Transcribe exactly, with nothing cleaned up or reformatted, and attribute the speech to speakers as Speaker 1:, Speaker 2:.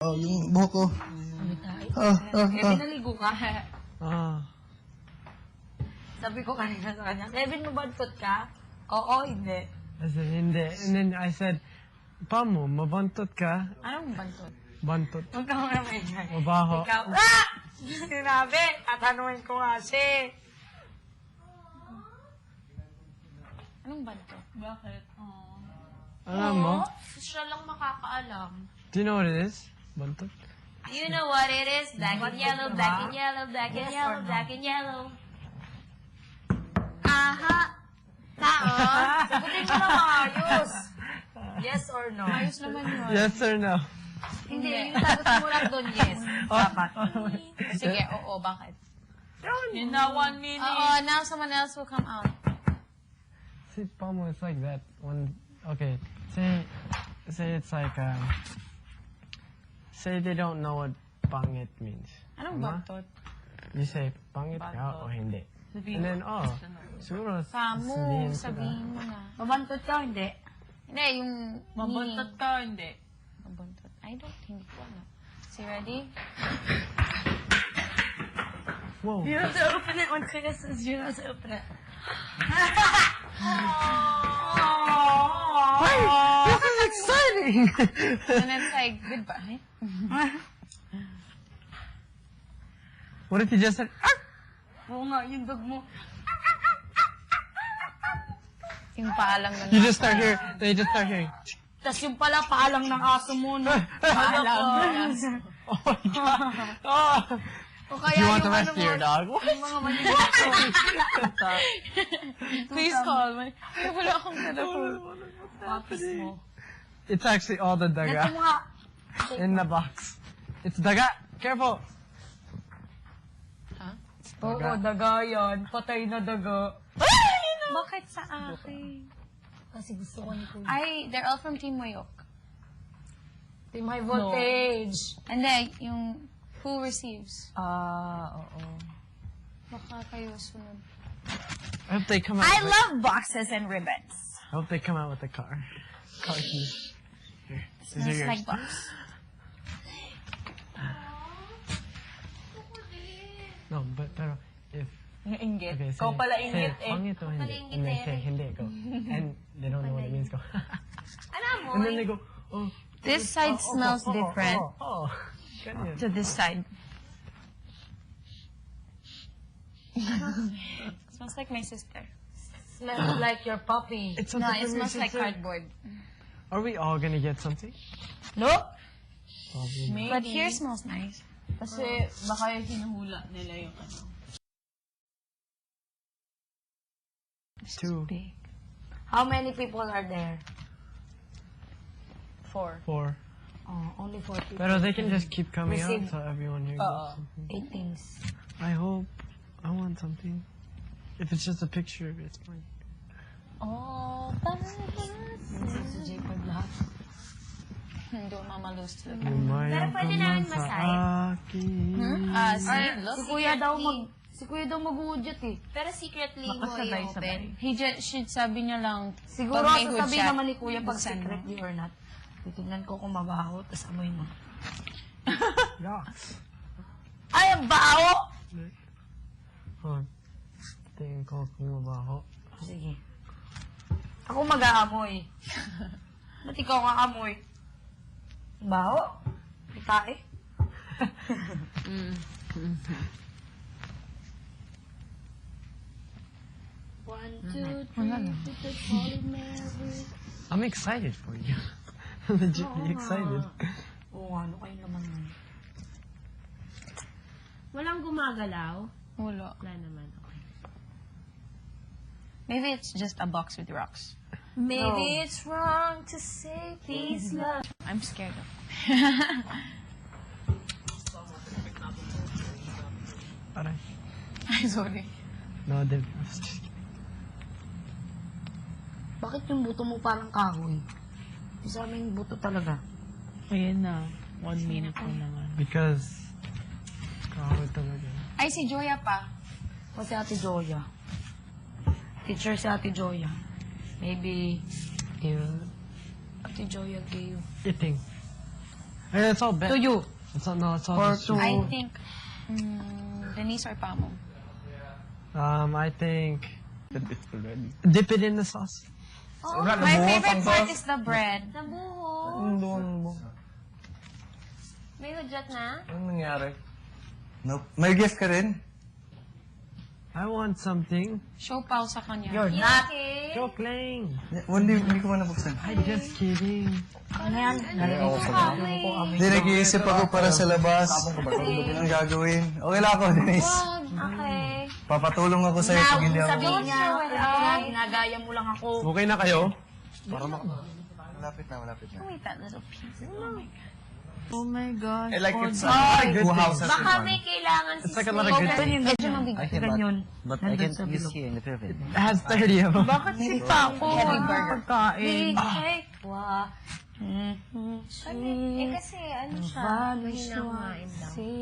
Speaker 1: oh, yung buhok ko. Oh, oh,
Speaker 2: Eh,
Speaker 1: oh.
Speaker 2: pinaligo ka.
Speaker 3: Ah.
Speaker 2: Sabi ko kanina sa kanya, Kevin, mabantot ka? Oo, hindi.
Speaker 3: I said, hindi. And then I said, Pamo, mabantot ka?
Speaker 2: Anong bantot?
Speaker 3: Bantot.
Speaker 2: Huwag ka muna may dyan.
Speaker 3: Mabaho.
Speaker 2: Ikaw, ah! Sinabi, tatanungin ko nga siya. Anong bantot? Bakit? Oh.
Speaker 3: Alam mo?
Speaker 2: Siya lang makakaalam.
Speaker 3: Do you know what it is? Bantot?
Speaker 2: You know what it is? Black and yellow, black and yellow, black and yellow, black and yellow. Aha! Tao! Sagutin mo na maayos. Yes or no? Ayos naman yun.
Speaker 3: Yes or no?
Speaker 2: Hindi, yung sagot mo lang doon, yes. Dapat. Sige, oo, bakit?
Speaker 4: In that one minute.
Speaker 2: Oo, now someone else will come out.
Speaker 3: See, Pamo, it's like that. When, okay, say, say it's like, um, say they don't know what pangit means.
Speaker 2: Anong
Speaker 3: Tama?
Speaker 2: bantot?
Speaker 3: You say, pangit ka o hindi? And then, oh, siguro,
Speaker 2: Samu,
Speaker 3: sabihin ko na.
Speaker 2: sabihin mo na. Mabantot ka, hindi? Hindi, yung...
Speaker 4: Mabantot ka, hindi.
Speaker 2: Mabantot. I don't, hindi ko alam. So, ready?
Speaker 3: Whoa.
Speaker 2: You have to open it when Kuya says you have to open it.
Speaker 3: Wait, this is exciting!
Speaker 2: And it's like, goodbye.
Speaker 3: What if you just said, ah!
Speaker 2: Oo nga, yung dog mo. Yung paalang ng
Speaker 3: You just start hearing, they just start hearing.
Speaker 2: Tapos yung pala paalang ng aso mo, no? Paalang.
Speaker 3: Oh my god. Oh.
Speaker 2: O kaya
Speaker 3: You want
Speaker 2: yung
Speaker 3: the rest
Speaker 2: ano
Speaker 3: of your
Speaker 2: mo,
Speaker 3: dog?
Speaker 2: yung mga maliliit. Please call me. Ay, wala akong telephone. Papis mo.
Speaker 3: It's actually all the
Speaker 2: Ito
Speaker 3: daga
Speaker 2: mo nga.
Speaker 3: in the box. It's daga. Careful.
Speaker 2: Oo, daga yan. Patay na daga. Bakit sa akin? Kasi gusto ko ni Kuya. Ay, they're all from Team Moyok. Team High Voltage. And then, yung who receives. Ah, oo. Baka kayo sunod.
Speaker 3: I hope they come out.
Speaker 2: I
Speaker 3: with,
Speaker 2: love boxes and ribbons.
Speaker 3: I hope they come out with the car. Car keys. Here. These are
Speaker 2: Smells
Speaker 3: yours.
Speaker 2: like box.
Speaker 3: No, but pero if
Speaker 4: Inggit.
Speaker 3: okay,
Speaker 4: Ikaw pala inggit
Speaker 3: say
Speaker 4: eh.
Speaker 3: pangit o hindi, and they say hindi go, and they don't know what it means go. And then they go, oh.
Speaker 2: This side
Speaker 3: oh,
Speaker 2: smells
Speaker 3: oh, oh,
Speaker 2: different
Speaker 3: Oh, oh. Ganyan.
Speaker 2: to this side. Smells like my sister.
Speaker 4: Smells like your puppy.
Speaker 3: It's
Speaker 2: No,
Speaker 3: something
Speaker 2: it
Speaker 3: from your
Speaker 2: smells like
Speaker 3: sister.
Speaker 2: cardboard.
Speaker 3: Are we all gonna get something?
Speaker 2: No?
Speaker 3: Probably. not.
Speaker 2: But here smells nice.
Speaker 4: Kasi baka yung hinuhula nila yung ano.
Speaker 3: Two,
Speaker 2: Big.
Speaker 4: How many people are there?
Speaker 2: Four.
Speaker 3: four.
Speaker 4: Oh, only four people.
Speaker 3: Pero they can just keep coming
Speaker 4: Receive.
Speaker 3: out so everyone here
Speaker 4: Oo.
Speaker 3: gets something.
Speaker 4: Eight things.
Speaker 3: I hope. I want something. If it's just a picture, it's fine.
Speaker 2: Oh,
Speaker 4: Si Jacob lahat.
Speaker 2: Hindi ko mamalus to.
Speaker 3: Pero
Speaker 2: pwede namin masay. Ah,
Speaker 4: Ay,
Speaker 2: see, look.
Speaker 4: si Kuya daw mag... Si Kuya daw mag-uudyot eh.
Speaker 2: Pero secretly mo
Speaker 4: Makasabay-sabay.
Speaker 2: i-open. He just, should sabi niya lang,
Speaker 4: Siguro
Speaker 2: pag may
Speaker 4: sa
Speaker 2: hood
Speaker 4: tabi
Speaker 2: shot,
Speaker 4: naman ni Kuya pag
Speaker 2: buksan mo.
Speaker 4: secretly or not. Titignan ko kung mabaho, tapos amoy mo.
Speaker 3: Yucks.
Speaker 4: Ay, ang baho!
Speaker 3: Hold on. Tingin ko kung mabaho.
Speaker 4: Sige. Ako mag-aamoy. Ba't ikaw kaamoy? Baho? Tae? One, two, three, put the polymer.
Speaker 3: I'm excited for you. I'm legitly excited.
Speaker 4: Oo, ano kayo naman nun?
Speaker 5: Walang gumagalaw?
Speaker 2: Wala.
Speaker 5: Wala naman. Okay.
Speaker 2: Maybe it's just a box with rocks.
Speaker 4: Maybe it's wrong to say peace, love.
Speaker 2: I'm scared of
Speaker 3: Aray.
Speaker 2: I'm sorry.
Speaker 3: No, Dev. I was just kidding.
Speaker 4: Bakit yung buto mo parang kahoy? Yung sa amin buto talaga.
Speaker 5: Ayan na. One minute ko naman.
Speaker 3: Because kahoy talaga.
Speaker 2: Ay, si Joya pa.
Speaker 4: O si Ate Joya. Teacher si Ate Joya. Maybe, if Ate Joya gave...
Speaker 3: Eating. Hey, it's all bad.
Speaker 2: To you.
Speaker 3: It's all, no, it's all
Speaker 1: Or
Speaker 3: just-
Speaker 1: to-
Speaker 2: I think, mm, Denise or Pamo.
Speaker 3: Um, I think... Dip it in the sauce.
Speaker 2: Oh, my favorite part is the bread.
Speaker 5: Nabuho. May hudyat na?
Speaker 6: Anong nangyari?
Speaker 1: Nope. May gift ka rin?
Speaker 3: I want something.
Speaker 2: Show pao sa kanya.
Speaker 4: You're
Speaker 5: You
Speaker 4: not.
Speaker 5: okay?
Speaker 3: Joke lang.
Speaker 1: Hindi, hindi ko man nabuksan.
Speaker 3: I'm just kidding.
Speaker 4: Ano yan? Narinig ko sa
Speaker 1: Hindi, nag-iisip ako para sa labas. Anong gagawin? Okay lang ako, Denise.
Speaker 5: Okay.
Speaker 1: Papatulong ako sa'yo
Speaker 4: Now,
Speaker 1: pag hindi ako.
Speaker 4: sabihin niya, kaya ginagaya mo lang ako.
Speaker 6: Okay na kayo?
Speaker 1: Malapit na, malapit na.
Speaker 2: Wait, that little piece.
Speaker 4: Oh my God.
Speaker 6: I like it's
Speaker 1: a lot of good
Speaker 6: houses.
Speaker 5: Baka may kailangan si
Speaker 3: It's like a lot of good things.
Speaker 2: Medyo mabigat. Ganyan.
Speaker 1: But I can use here in the pyramid.
Speaker 3: It has thirty of them.
Speaker 2: Bakit si Paco?
Speaker 4: Heavy burger.
Speaker 2: Pagkain.
Speaker 5: Cake. Wow. Eh kasi ano siya, mahina kumain daw.